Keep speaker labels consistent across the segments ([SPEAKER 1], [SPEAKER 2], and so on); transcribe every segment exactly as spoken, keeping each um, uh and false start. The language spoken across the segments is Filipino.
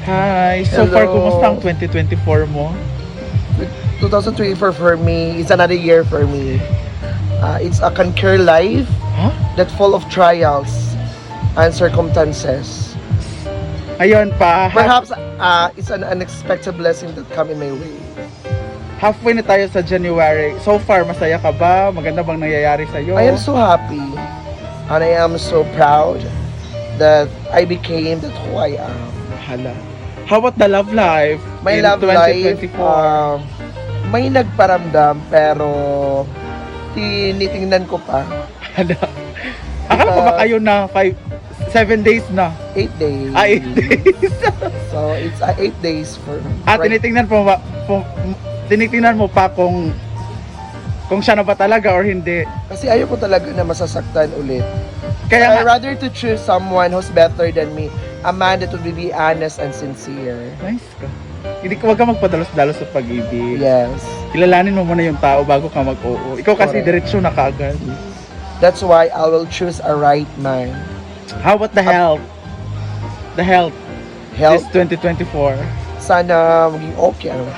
[SPEAKER 1] Hi! So
[SPEAKER 2] Hello.
[SPEAKER 1] far, kumusta ang twenty twenty-four mo?
[SPEAKER 2] twenty twenty-four for me is another year for me. Uh, it's a conquer life
[SPEAKER 1] Huh?
[SPEAKER 2] that full of trials and circumstances.
[SPEAKER 1] Ayun pa, ha-
[SPEAKER 2] Perhaps uh, it's an unexpected blessing that come in my way.
[SPEAKER 1] halfway na tayo sa January. So far, masaya ka ba? Maganda bang nangyayari sa'yo?
[SPEAKER 2] I am so happy and I am so proud that I became that who I am.
[SPEAKER 1] Hala. How about the love life?
[SPEAKER 2] My
[SPEAKER 1] in
[SPEAKER 2] love life,
[SPEAKER 1] twenty twenty-four?
[SPEAKER 2] um, may nagparamdam pero tinitingnan ko pa.
[SPEAKER 1] Hala. Akala ko ba kayo na five, seven days na?
[SPEAKER 2] Eight days.
[SPEAKER 1] Ah, eight days.
[SPEAKER 2] So it's uh, eight days for.
[SPEAKER 1] At
[SPEAKER 2] right-
[SPEAKER 1] tinitingnan mo ba, kung, tinitingnan mo pa kung kung siya na ba talaga or hindi.
[SPEAKER 2] Kasi ayoko talaga na masasaktan ulit.
[SPEAKER 1] Kaya
[SPEAKER 2] I
[SPEAKER 1] nga,
[SPEAKER 2] rather to choose someone who's better than me. A man that will be honest and sincere.
[SPEAKER 1] nice ka. Hindi ka, wag ka magpadalos-dalos sa pag-ibig.
[SPEAKER 2] Yes.
[SPEAKER 1] Kilalanin mo muna yung tao bago ka mag-oo. Ikaw kasi
[SPEAKER 2] Correct.
[SPEAKER 1] diretsyo na kaagad.
[SPEAKER 2] That's why I will choose a right man.
[SPEAKER 1] How about the health? The health,
[SPEAKER 2] Help.
[SPEAKER 1] this twenty twenty-four.
[SPEAKER 2] Sana maging okay. Ano?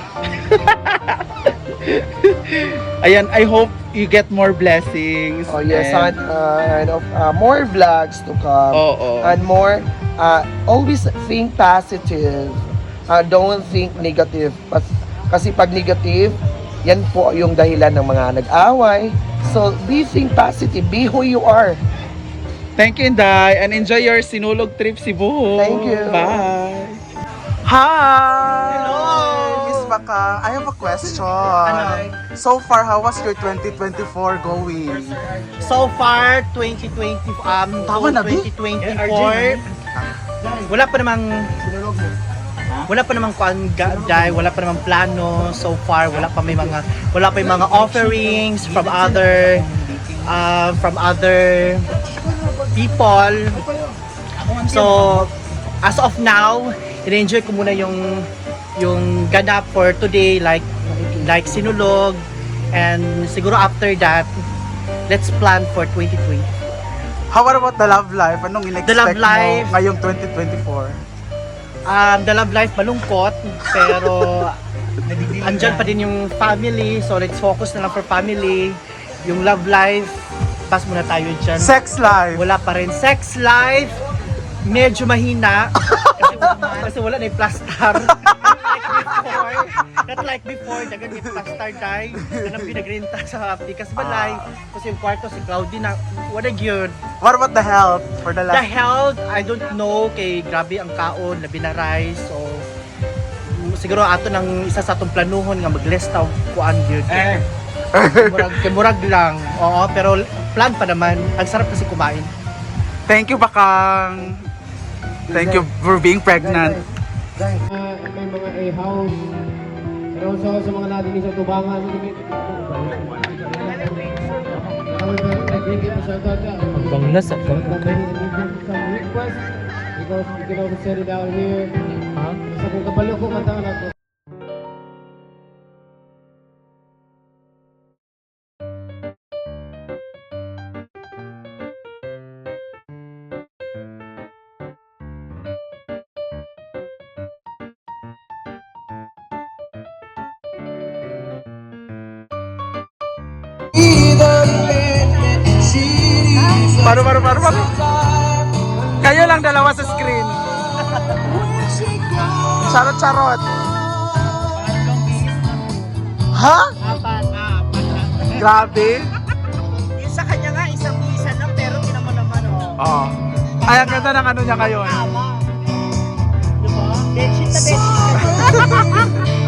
[SPEAKER 1] Ayan, I hope you get more blessings.
[SPEAKER 2] Oh yes,
[SPEAKER 1] and,
[SPEAKER 2] and, uh, and uh, more vlogs to come.
[SPEAKER 1] Oo.
[SPEAKER 2] And more, uh, always think positive. Uh, don't think negative. Pas- Kasi pag negative, yan po yung dahilan ng mga nag-away. So, be think positive. Be who you are.
[SPEAKER 1] Thank you, Inday. And enjoy your Sinulog trip, Cebu.
[SPEAKER 2] Thank you.
[SPEAKER 1] Bye. Hi!
[SPEAKER 3] Hello!
[SPEAKER 1] Miss Baka, I have a question.
[SPEAKER 3] Ano?
[SPEAKER 1] So far, how was your twenty twenty-four going?
[SPEAKER 3] So far, twenty twenty, um,
[SPEAKER 1] Tama na, B?
[SPEAKER 3] twenty twenty-four, wala pa namang, wala pa namang kuan guy, wala pa namang plano so far, wala pa may mga, wala pa yung mga offerings from other, uh, from other people. So, as of now, in-enjoy ko muna yung yung ganap for today, like like Sinulog, and siguro after that, let's plan for twenty twenty.
[SPEAKER 1] How about the love life? Anong in-expect
[SPEAKER 3] The love life?
[SPEAKER 1] mo ngayong twenty twenty-four?
[SPEAKER 3] Um, the love life malungkot, pero andyan pa din yung family, so let's focus na lang for family. Yung love life, pass muna tayo dyan.
[SPEAKER 1] Sex life?
[SPEAKER 3] Wala pa rin. Sex life, medyo mahina. kasi, kasi wala na yung plaster. Not like before, dagan yung plaster dye. Yan ang pinagrenta sa Pikas Balay. Kasi yung kwarto si Claudie na, what a good.
[SPEAKER 1] What about the health for the
[SPEAKER 3] The health, I don't know, kay grabe ang kaon, labi na rice, so mm, siguro ato nang isa sa atong planuhon nga mag-less taw kuan gyud. Eh. Murag, kay murag lang. Oo, pero plan pa naman. Ang sarap kasi kumain.
[SPEAKER 1] Thank you, Bakang. Thank you for being pregnant.
[SPEAKER 4] Uh, may mga a-house. Pero sa, sa mga natin sa tubangan,
[SPEAKER 5] Banglas at
[SPEAKER 4] some request because you can also set it out here. Sa kung kabalo ko kanta na to.
[SPEAKER 1] Paru, paru, paru, paru. Kayo lang dalawa sa screen. Charot, charot. Ha?
[SPEAKER 3] Apat, apat.
[SPEAKER 1] Grabe.
[SPEAKER 3] Yung sa kanya nga, isang isa lang, pero tinamo naman, oh.
[SPEAKER 1] Oh. Ay, ang ganda ng ano niya ngayon.
[SPEAKER 3] Tama. Diba? Bedsheet na bedsheet.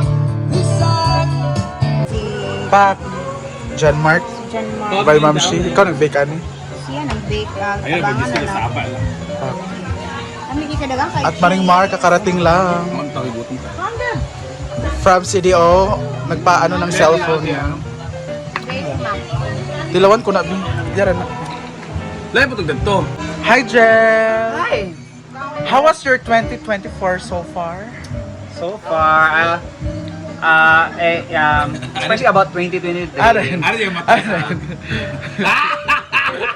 [SPEAKER 1] Pat. John Mark.
[SPEAKER 6] Diyan mo.
[SPEAKER 1] By Ma'am Shi. Ikaw nag-bake ano?
[SPEAKER 6] Siya nag-bake. Uh, Ayun, mag-isip na sa lang. Kami kita dagang kay
[SPEAKER 1] At Maring Mar, kakarating lang. From C D O, nagpaano ng cellphone niya. Dilawan ko na, Bi. Diyan na.
[SPEAKER 5] Lahat po itong ganito.
[SPEAKER 1] Hi, Jel!
[SPEAKER 3] Hi!
[SPEAKER 1] How was your twenty twenty-four so far?
[SPEAKER 7] So far, uh, uh, eh, um, especially about twenty twenty-three.
[SPEAKER 1] Aran.
[SPEAKER 5] Ano yung mata?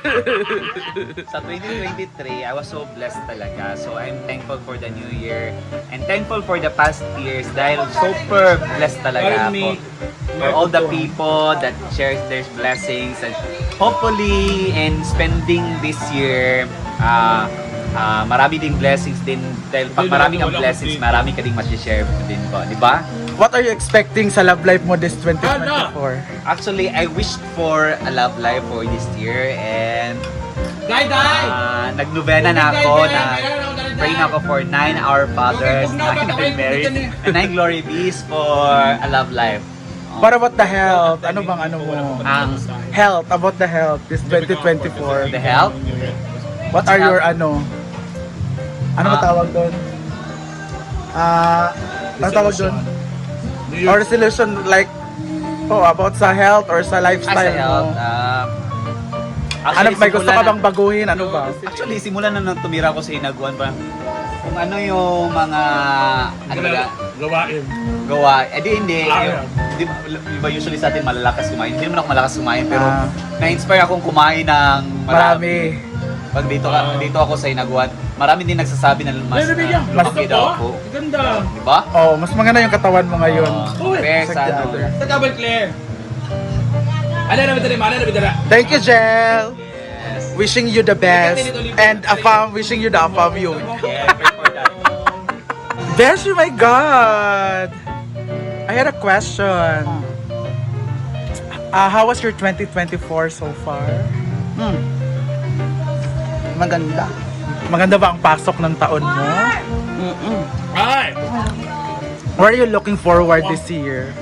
[SPEAKER 7] Sa twenty twenty-three, I was so blessed talaga. So I'm thankful for the new year and thankful for the past years dahil super blessed talaga ako. For all the people that shares their blessings and hopefully in spending this year, uh, uh, marami ding blessings din dahil pag marami kang blessings, marami ka ding ma-share din po, di ba?
[SPEAKER 1] What are you expecting sa love life mo this twenty twenty-four?
[SPEAKER 7] Actually, I wished for a love life for this year and uh, nagnovena na ako na pray na ako for nine Our Fathers, nine Hail Marys, and nine Glory Bees for a love life.
[SPEAKER 1] What about the health? Ano bang ano mo?
[SPEAKER 7] Ang
[SPEAKER 1] Health, about the health this twenty twenty-four.
[SPEAKER 7] the health,
[SPEAKER 1] What are your ano? Ano ba
[SPEAKER 7] Ah.
[SPEAKER 1] tawag doon? Ah, ano tawag doon? Or resolution like oh, about sa health or sa
[SPEAKER 7] as
[SPEAKER 1] lifestyle
[SPEAKER 7] a health,
[SPEAKER 1] mo.
[SPEAKER 7] uh,
[SPEAKER 1] Ano, may gusto ka
[SPEAKER 7] simulan
[SPEAKER 1] bang baguhin? Ano ba?
[SPEAKER 7] na- Actually, simulan na nang tumira ko sa Inaguan pa. Kung ano yung mga ano ba,
[SPEAKER 5] Gawain.
[SPEAKER 7] gawa. Eh di hindi.
[SPEAKER 5] Ah,
[SPEAKER 7] Yung, di, ba- di ba usually sa atin malalakas kumain? Hindi naman ako malakas kumain pero
[SPEAKER 1] Ah.
[SPEAKER 7] na-inspire akong kumain ng marami.
[SPEAKER 1] Marami.
[SPEAKER 7] Pag dito ka, dito ako sa Inaguan, marami din nagsasabi na mas
[SPEAKER 5] Bibigyan.
[SPEAKER 7] uh, lumaki daw ako.
[SPEAKER 5] Ganda.
[SPEAKER 7] Di ba?
[SPEAKER 1] Oh, mas maganda yung katawan mo ngayon.
[SPEAKER 7] Uh, compare sa ano.
[SPEAKER 5] Sa double clear. Ano na bidara? Ano na bidara?
[SPEAKER 1] Thank you, Jel.
[SPEAKER 7] Yes.
[SPEAKER 1] Wishing you the best and Afam wishing you the Afam you.
[SPEAKER 7] Yeah, pray for that.
[SPEAKER 1] Beshi, my God! I had a question. Uh, how was your twenty twenty-four so far?
[SPEAKER 2] Hmm. Maganda.
[SPEAKER 1] Maganda ba ang pasok ng taon mo?
[SPEAKER 2] Mm-mm.
[SPEAKER 5] Ay!
[SPEAKER 1] Where are you looking forward this year?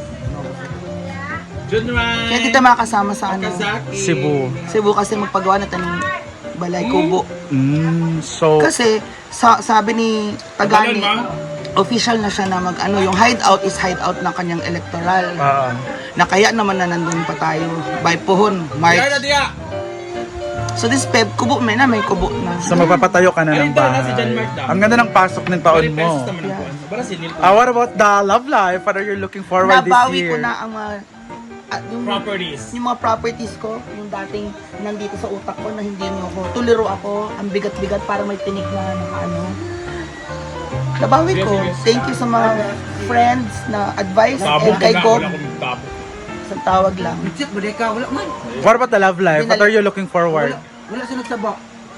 [SPEAKER 5] Junran!
[SPEAKER 6] Kaya dito makasama sa ano,
[SPEAKER 5] Kazaki.
[SPEAKER 1] Cebu.
[SPEAKER 6] Cebu kasi magpagawa na tanong Balay Kubo.
[SPEAKER 1] Mm, so,
[SPEAKER 6] Kasi sa, sabi ni Pagani,
[SPEAKER 5] Kabalan,
[SPEAKER 6] official na siya na mag ano, yung hideout is hideout ng kanyang electoral.
[SPEAKER 1] ah,
[SPEAKER 6] Na kaya naman na nandun pa tayo by Puhon,
[SPEAKER 5] Diya na
[SPEAKER 6] March.
[SPEAKER 5] diya!
[SPEAKER 6] So this Feb, kubo may na, may kubo na.
[SPEAKER 1] so magpapatayo ka na
[SPEAKER 5] Ayun
[SPEAKER 1] ng
[SPEAKER 5] daw, nasa John
[SPEAKER 1] bahay.
[SPEAKER 5] Mark daw.
[SPEAKER 1] Ang ganda ng pasok ng taon mo.
[SPEAKER 5] Pesos naman ang kuwan. Para sinil ko.
[SPEAKER 1] Ah, what about the love life? What are you looking forward this
[SPEAKER 6] Nabawi
[SPEAKER 1] year?
[SPEAKER 6] ko na ang mga ah, yung,
[SPEAKER 5] Properties.
[SPEAKER 6] yung mga properties ko, yung dating nandito sa utak ko na hindi niyo ako. Tuliro ako, ang bigat-bigat para may tinik na nakaano. Nabawi ko. Thank you sa mga friends na advice
[SPEAKER 5] Sabog
[SPEAKER 6] and kay
[SPEAKER 5] na,
[SPEAKER 6] Gob.
[SPEAKER 5] wala akong tabo.
[SPEAKER 6] Sa tawag lang.
[SPEAKER 1] What about the love life? What are you looking forward?
[SPEAKER 6] Wala sa nagsaba.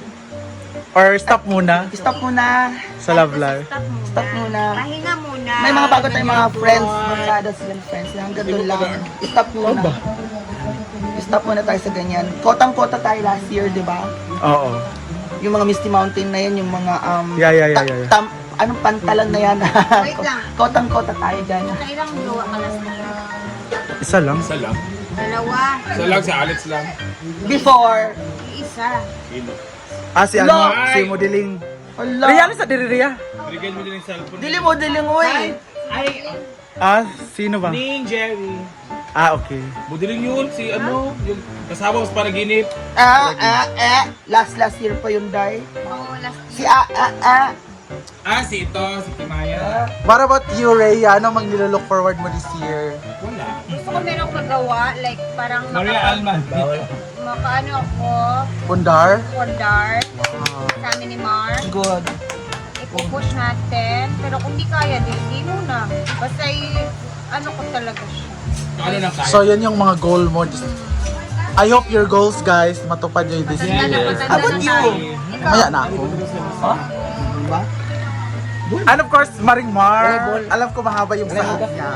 [SPEAKER 1] Or stop muna
[SPEAKER 6] Stop muna.
[SPEAKER 1] sa love life?
[SPEAKER 6] Stop muna.
[SPEAKER 8] Pahinga muna.
[SPEAKER 6] May mga bago tayong mga friends, barkada silang friends na hanggang doon lang. Stop muna. Stop muna tayo sa ganyan. Kotang-kota tayo last year, di ba?
[SPEAKER 1] Oo.
[SPEAKER 6] Yung mga Misty Mountain na yan, yung mga um,
[SPEAKER 1] Yeah, yeah, yeah,
[SPEAKER 6] ta-
[SPEAKER 1] yeah, yeah.
[SPEAKER 6] tam- anong pantalan na yan?
[SPEAKER 8] Wait lang.
[SPEAKER 6] Kotang-kota tayo dyan.
[SPEAKER 8] Kailang luwa ka last year?
[SPEAKER 1] Isa lang.
[SPEAKER 5] Isa lang.
[SPEAKER 8] Dalawa.
[SPEAKER 5] Isa lang, sa Alex lang.
[SPEAKER 6] Before,
[SPEAKER 8] Isa.
[SPEAKER 1] Ah, si ano?
[SPEAKER 6] Lo!
[SPEAKER 1] Si Modeling.
[SPEAKER 6] ala,
[SPEAKER 1] Riya, sa diri Riya.
[SPEAKER 5] Bigyan mo din yung cellphone.
[SPEAKER 6] dili mo, dili mo eh.
[SPEAKER 5] Ay,
[SPEAKER 1] Ah, sino ba?
[SPEAKER 5] Ning Jerry.
[SPEAKER 1] Ah, okay.
[SPEAKER 5] Budiling yun, si ano, yung kasama ko sa panaginip.
[SPEAKER 6] Ah, ah, ah. Last, last year pa yun, Day.
[SPEAKER 8] Oo, last
[SPEAKER 6] Si ah, ah, ah.
[SPEAKER 5] Ah, si ito, si Kimaya.
[SPEAKER 1] What about you, Rhea? Ano mang nilolook forward mo this year?
[SPEAKER 5] Wala.
[SPEAKER 8] Gusto ko merong magawa, like parang
[SPEAKER 5] Maria
[SPEAKER 8] maka,
[SPEAKER 5] Alman.
[SPEAKER 8] makaano ako,
[SPEAKER 1] Pundar?
[SPEAKER 8] for dark, sa amin ni Mar.
[SPEAKER 6] Good.
[SPEAKER 8] Ipupush natin. Pero kung di kaya, di, di muna. Basta i- ano ko talaga siya.
[SPEAKER 5] Ano lang kaya?
[SPEAKER 1] So, yan yung mga goal mo. Just- I hope your goals, guys, matupad nyo this
[SPEAKER 8] Matanda na,
[SPEAKER 1] year.
[SPEAKER 8] matanda
[SPEAKER 6] How about
[SPEAKER 8] na
[SPEAKER 6] you?
[SPEAKER 8] tayo. Ikaw,
[SPEAKER 1] Maya na ako.
[SPEAKER 6] Diba?
[SPEAKER 1] And of course, Maring Mar. Alam ko mahaba yung sahod niya.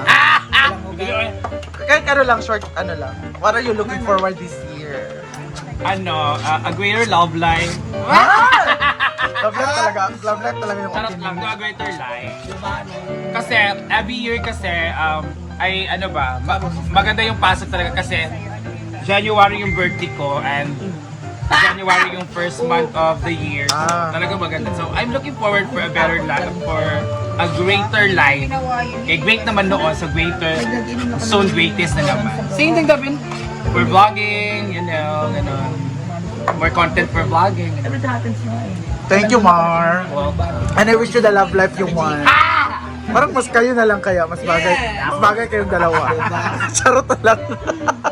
[SPEAKER 1] Kahit ano lang, short, ano lang. What are you looking forward this year?
[SPEAKER 7] Ano, uh, a greater love life.
[SPEAKER 1] Love life talaga. Love life talaga yung
[SPEAKER 7] Charot lang, to a greater life. Kasi every year kasi, um, ay ano ba, ma- maganda yung pasok talaga kasi January yung birthday ko and January yung first month of the year. So,
[SPEAKER 1] Ah.
[SPEAKER 7] talaga maganda. So, I'm looking forward for a better life, for a greater life.
[SPEAKER 8] ginawa yun.
[SPEAKER 7] Okay, great naman noon, so greater, soon greatest na naman. Same thing, Davin. For vlogging, you know, ganun. More content for vlogging.
[SPEAKER 1] Thank you, Mar.
[SPEAKER 7] Welcome.
[SPEAKER 1] And I wish you the love life you want. Parang mas kayo na lang kaya, mas bagay, mas bagay kayong dalawa. Charot na lang.